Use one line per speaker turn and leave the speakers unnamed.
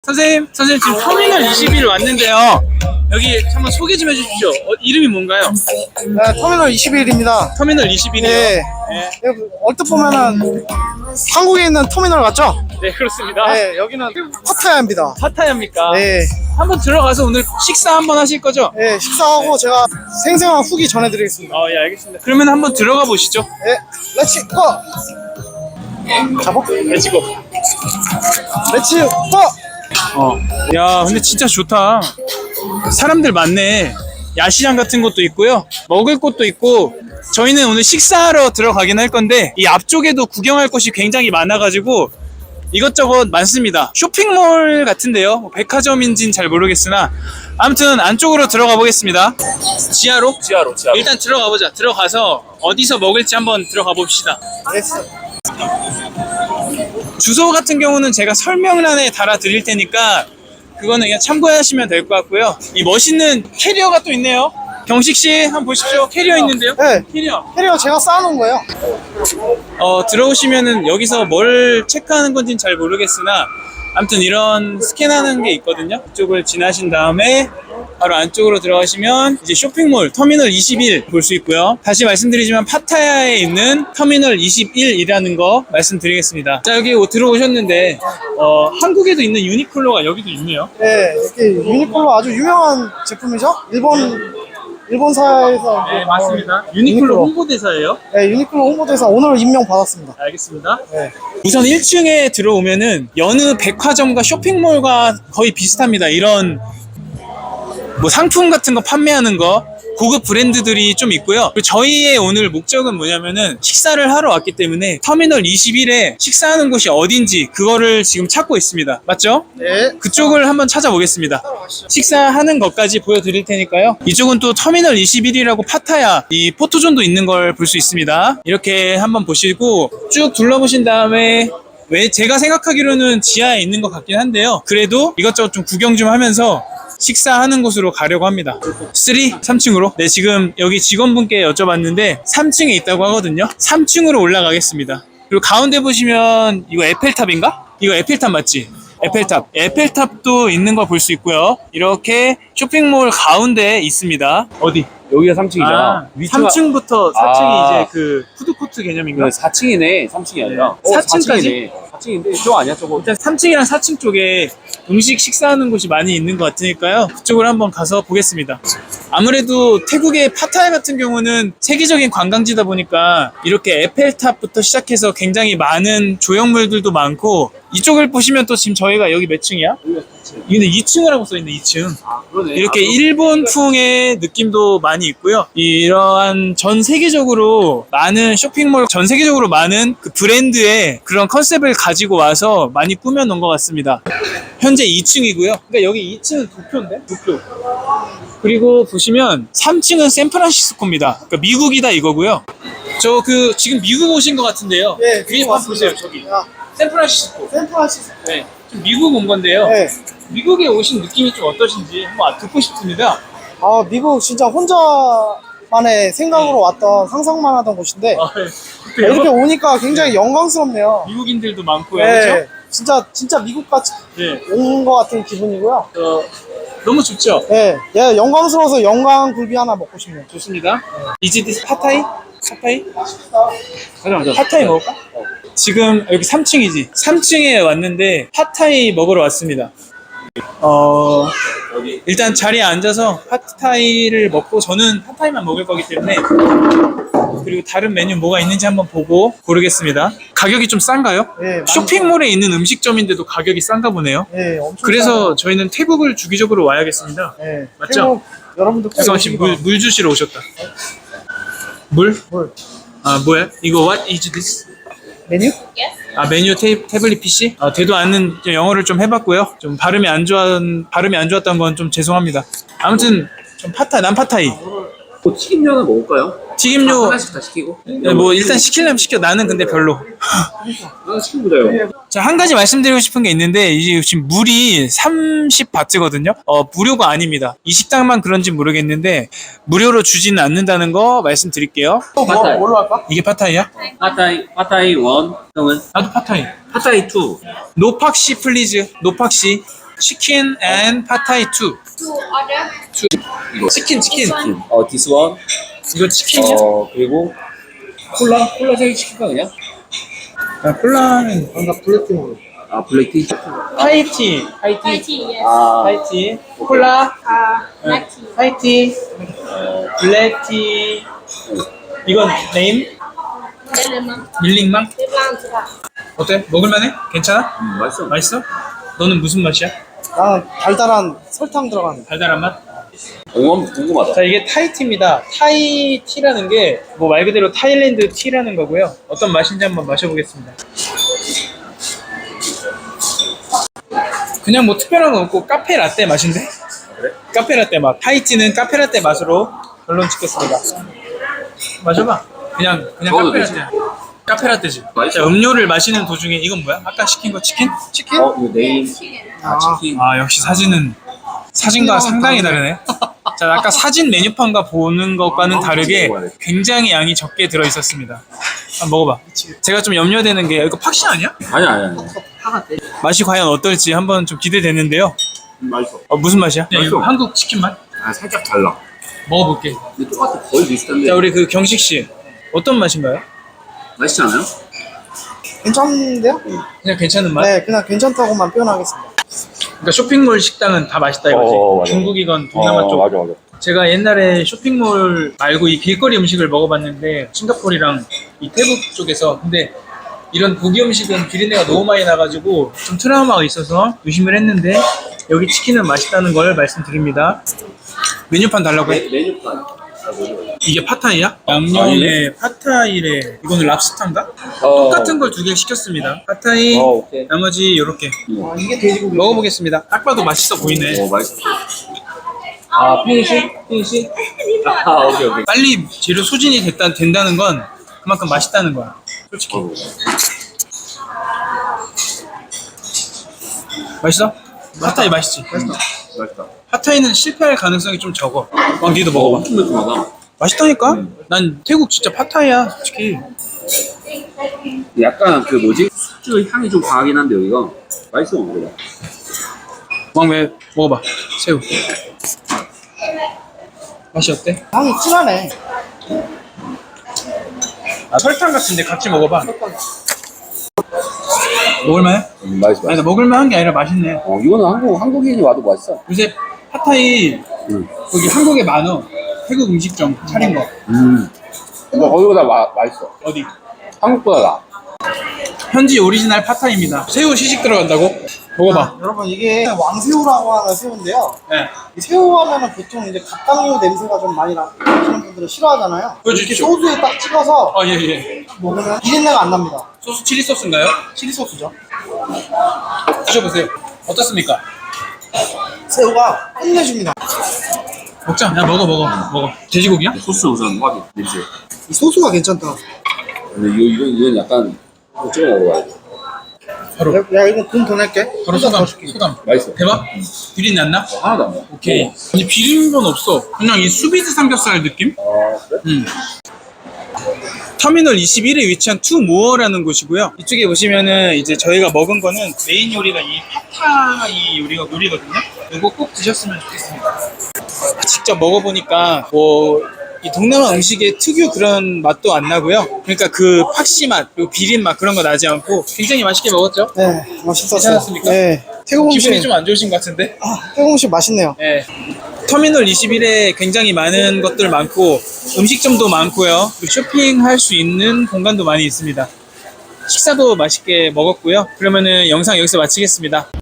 선생님 지금 터미널 21 왔는데요. 여기 한번 소개 좀 해주십시오. 이름이 뭔가요?
네, 터미널 21입니다.
터미널 21이요?
네. 여기 얼핏 보면은 한국에 있는 터미널 같죠?
네, 그렇습니다.
네, 여기는 파타야입니다.
파타야입니까?
네.
한번 들어가서 오늘 식사 한번 하실 거죠?
네, 식사하고 제가 생생한 후기 전해드리겠습니다.
예, 알겠습니다. 그러면 한번 들어가 보시죠.
네, 렛츠 고! 잡아?
렛츠고.
렛츠 고!
야, 근데 진짜 좋다. 사람들 많네. 야시장 같은 것도 있고요. 먹을 곳도 있고. 저희는 오늘 식사하러 들어가긴 할 건데 이 앞쪽에도 구경할 곳이 굉장히 많아가지고 이것저것 많습니다. 쇼핑몰 같은데요. 뭐 백화점인지는 잘 모르겠으나 아무튼 안쪽으로 들어가 보겠습니다. 지하로?
지하로.
일단 들어가 보자. 들어가서 어디서 먹을지 한번 들어가 봅시다.
렛츠.
주소 같은 경우는 제가 설명란에 달아 드릴 테니까 그거는 그냥 참고하시면 될 것 같고요. 이 멋있는 캐리어가 또 있네요. 경식 씨 한번 보십시오. 캐리어 있는데요.
네,
캐리어.
제가 쌓아놓은 거예요.
들어오시면은 여기서 뭘 체크하는 건지는 잘 모르겠으나 아무튼 이런 스캔하는 게 있거든요. 이쪽을 지나신 다음에 바로 안쪽으로 들어가시면 이제 쇼핑몰 터미널 21 볼 수 있고요. 다시 말씀드리지만 파타야에 있는 터미널 21이라는 거 말씀드리겠습니다. 자, 여기 들어오셨는데 한국에도 있는 유니클로가 여기도 있네요.
네, 이렇게 유니클로 아주 유명한 제품이죠? 일본사에서.
네, 맞습니다. 유니클로 홍보대사예요.
네, 유니클로 홍보대사 오늘 임명 받았습니다.
알겠습니다.
네.
우선 1층에 들어오면은 여느 백화점과 쇼핑몰과 거의 비슷합니다. 이런 뭐 상품 같은 거 판매하는 거 고급 브랜드들이 좀 있고요. 그리고 저희의 오늘 목적은 뭐냐면은 식사를 하러 왔기 때문에 터미널 21에 식사하는 곳이 어딘지 그거를 지금 찾고 있습니다. 맞죠?
네.
그쪽을 한번 찾아보겠습니다. 식사하는 것까지 보여드릴 테니까요. 이쪽은 또 터미널 21이라고 파타야 이 포토존도 있는 걸 볼 수 있습니다. 이렇게 한번 보시고 쭉 둘러보신 다음에 왜 제가 생각하기로는 지하에 있는 것 같긴 한데요. 그래도 이것저것 좀 구경 좀 하면서 식사하는 곳으로 가려고 합니다. 3층으로? 네, 지금 여기 직원분께 여쭤봤는데 3층에 있다고 하거든요. 3층으로 올라가겠습니다. 그리고 가운데 보시면 이거 에펠탑인가? 이거 에펠탑 맞지? 에펠탑도 있는 거 볼 수 있고요. 이렇게 쇼핑몰 가운데에 있습니다. 어디?
여기가 3층이잖아.
3층부터 4층이 이제 그 푸드코트 개념인가?
4층이네. 3층이 아니라.
네. 4층까지?
4층인데 저거 아니야 저거.
일단 3층이랑 4층 쪽에 음식 식사하는 곳이 많이 있는 것 같으니까요. 그쪽으로 한번 가서 보겠습니다. 아무래도 태국의 파타야 같은 경우는 세계적인 관광지다 보니까 이렇게 에펠탑부터 시작해서 굉장히 많은 조형물들도 많고 이쪽을 보시면 또 지금 저희가 여기 몇 층이야? 여기는 2층이라고 써있네. 2층.
아, 그러네.
이렇게 일본풍의 느낌도 많이 있고요. 이러한 전 세계적으로 많은 쇼핑몰, 전 세계적으로 많은 그 브랜드의 그런 컨셉을 가지고 와서 많이 꾸며놓은 것 같습니다. 현재 2층이고요. 그러니까 여기 2층은 도쿄인데? 도쿄. 그리고 보시면 3층은 샌프란시스코입니다. 그러니까 미국이다 이거고요. 저 지금 미국 오신 것 같은데요.
네,
위에 한번 보세요. 저기.
야,
샌프란시스코.
샌프란시스코.
네. 좀 미국 온 건데요.
네.
미국에 오신 느낌이 좀 어떠신지 한번 듣고 싶습니다.
아, 미국 진짜 혼자만의 생각으로 왔던 상상만 하던 곳인데
네.
이렇게 오니까 굉장히 영광스럽네요.
미국인들도 많고요.
네, 진짜 미국같이
그렇죠? 네.
온 것 같은 기분이고요.
너무 좋죠?
네, 영광스러워서 영광 굴비 하나 먹고 싶네요.
좋습니다. Is this 파타이? 파타이?
가자.
파타이 먹을까? 지금 여기 3층이지. 3층에 왔는데 파타이 먹으러 왔습니다. 일단 자리에 앉아서 파타이를 먹고 저는 파타이만 먹을 거기 때문에 그리고 다른 메뉴 뭐가 있는지 한번 보고 고르겠습니다. 가격이 좀 싼가요?
네, 많이
쇼핑몰에 있는 음식점인데도 가격이 싼가 보네요.
네, 엄청
그래서 저희는 태국을 주기적으로 와야겠습니다.
네,
맞죠?
태국 여러분들 꼭
유성원 씨 물 주시러 오셨다. 물?
뭘?
아 뭐야? 이거 what is this?
메뉴?
아 메뉴 태블릿 PC? 되도 않는 영어를 좀 해봤고요. 좀 발음이 안 좋았던 건 좀 죄송합니다. 아무튼 좀 난 파타이.
뭐 튀김면은 먹을까요?
튀김류
하나씩 다 시키고.
뭐 일단 시키려면 시켜. 나는 근데 별로.
하나 시켜보자요.
자, 한 가지 말씀드리고 싶은 게 있는데 이제 지금 물이 30바트거든요. 무료가 아닙니다. 이 식당만 그런지 모르겠는데 무료로 주지는 않는다는 거 말씀드릴게요.
파타이.
뭘로 할까?
이게 파타이야?
파타이 1. 형은?
나도 파타이.
파타이 2.
노팍시 플리즈. 노팍시. 치킨 and 파타이 2.
To order.
치킨.
this one.
이거 치킨이야?
그리고 콜라 세 개 시킬까 그냥?
아, 콜라는
뭔가 블랙핑으로.
아 블랙티.
하이티.
Thai tea, yes.
아
하이티. 콜라.
Black tea.
하이티. 블랙티. 이건 네임?
Đây là măng.
밀링망?
Bếp lan chị ạ.
어때? 먹을만해? 괜찮아?
맛있어.
맛있어? 너는 무슨 맛이야?
나는 달달한 설탕 들어간.
달달한 맛?
궁금하다.
자, 이게 타이티입니다. 타이티라는 게 뭐 말 그대로 타일랜드 티라는 거고요. 어떤 맛인지 한번 마셔보겠습니다. 그냥 뭐 특별한 건 없고 카페 라떼 맛인데?
그래?
카페 라떼 맛. 타이티는 카페 라떼 맛으로 결론 짓겠습니다. 마셔봐. 그냥
먹어도
카페
되지?
라떼. 카페 라떼지.
맛있어.
자, 음료를 마시는 도중에 이건 뭐야? 아까 시킨 거 치킨?
치킨?
이거 네임. 치킨.
아, 역시 사진과 상당히 다르네. 자, 아까 사진 메뉴판과 보는 것과는 다르게 굉장히 양이 적게 들어 있었습니다. 한번 먹어봐. 제가 좀 염려되는 게 이거 팍시 아니야?
아니야.
맛이 과연 어떨지 한번 좀 기대되는데요.
맛있어.
무슨 맛이야?
맛있어.
이거 한국 치킨 맛?
아 살짝 달라.
먹어볼게.
근데 똑같아. 거의 비슷한데.
자, 우리 그 경식 씨 어떤 맛인가요?
맛있지 않아요?
괜찮은데요?
그냥 괜찮은 맛?
네, 그냥 괜찮다고만 표현하겠습니다.
그러니까 쇼핑몰 식당은 다 맛있다 이거지.
맞아.
중국이건 동남아 쪽.
맞아.
제가 옛날에 쇼핑몰 말고 이 길거리 음식을 먹어봤는데 싱가포르랑 이 태국 쪽에서 근데 이런 고기 음식은 비린내가 너무 많이 나가지고 좀 트라우마가 있어서 의심을 했는데 여기 치킨은 맛있다는 걸 말씀드립니다. 메뉴판 달라고 해?
메뉴판.
이게 팟타이야? 양념에 팟타이래. 이거는 랍스타인가? 똑같은 걸 두 개 시켰습니다. 팟타이,
오케이.
나머지 이렇게
아, 이게 돼지고기.
먹어보겠습니다. 딱 봐도 맛있어 보이네.
맛있어. 아 피니시. 아 오케이.
빨리 재료 소진이 된다는 건 그만큼 맛있다는 거야. 솔직히. 맛있어? 팟타이 맛있지?
맛있다.
팟타이는 실패할 가능성이 좀 적어. 니도 먹어봐.
엄청 매콤하다.
맛있다니까? 난 태국 진짜 팟타이야, 솔직히.
약간 그 뭐지? 숙주 향이 좀 강하긴 한데 여기가 맛있어 먹어봐.
왕매 먹어봐. 새우. 맛이 어때?
향이 진하네.
아, 설탕 같은데 같이 먹어봐. 먹을만해?
맛있어.
아니, 나 먹을만한 게 아니라 맛있네.
이거는 한국인이 와도 맛있어.
요새 팟타이 거기 한국에 많어. 태국 음식점 차린 거.
거기보다 맛있어.
어디?
한국보다 나.
현지 오리지널 팟타이입니다. 새우 시식 들어간다고? 먹어봐.
여러분 이게 왕새우라고 하는 새우인데요.
네.
이 새우 하면은 보통 이제 갑각류 냄새가 좀 많이 나시는 분들은 싫어하잖아요.
그렇죠.
이렇게 소스에 딱 찍어서
아, 예.
먹으면 비린내가 안 납니다.
소스 칠리 소스인가요?
치리 소스죠.
드셔보세요. 어떻습니까?
새우가 끝내줍니다.
먹자. 야, 먹어. 돼지고기야?
소스 우선 확인. 냄새.
이 소스가 괜찮다.
근데 이건 약간 찍어 먹어봐야 돼.
바로.
야 이거 돈 더 낼게.
바로 소감.
맛있어.
대박? 비린내 안 나?
하나도 안 나.
오케이. 아니, 비린 건 없어. 그냥 이 수비드 삼겹살 느낌?
그래?
터미널 21에 위치한 투모어라는 곳이고요. 이쪽에 보시면은 이제 저희가 먹은 거는 메인 요리가 이 팟타이 요리거든요. 이거 꼭 드셨으면 좋겠습니다. 직접 먹어보니까 뭐 이 동남아 음식의 특유 그런 맛도 안 나고요. 그러니까 그 팍시 맛, 그리고 비린 맛 그런 거 나지 않고 굉장히 맛있게 먹었죠.
네, 맛있었어요.
괜찮았습니까?
네, 태국
기분이
음식
좀 안 좋으신 것 같은데?
태국 음식 맛있네요.
네. 터미널 21에 굉장히 많은 것들 많고 음식점도 많고요. 쇼핑할 수 있는 공간도 많이 있습니다. 식사도 맛있게 먹었고요. 그러면은 영상 여기서 마치겠습니다.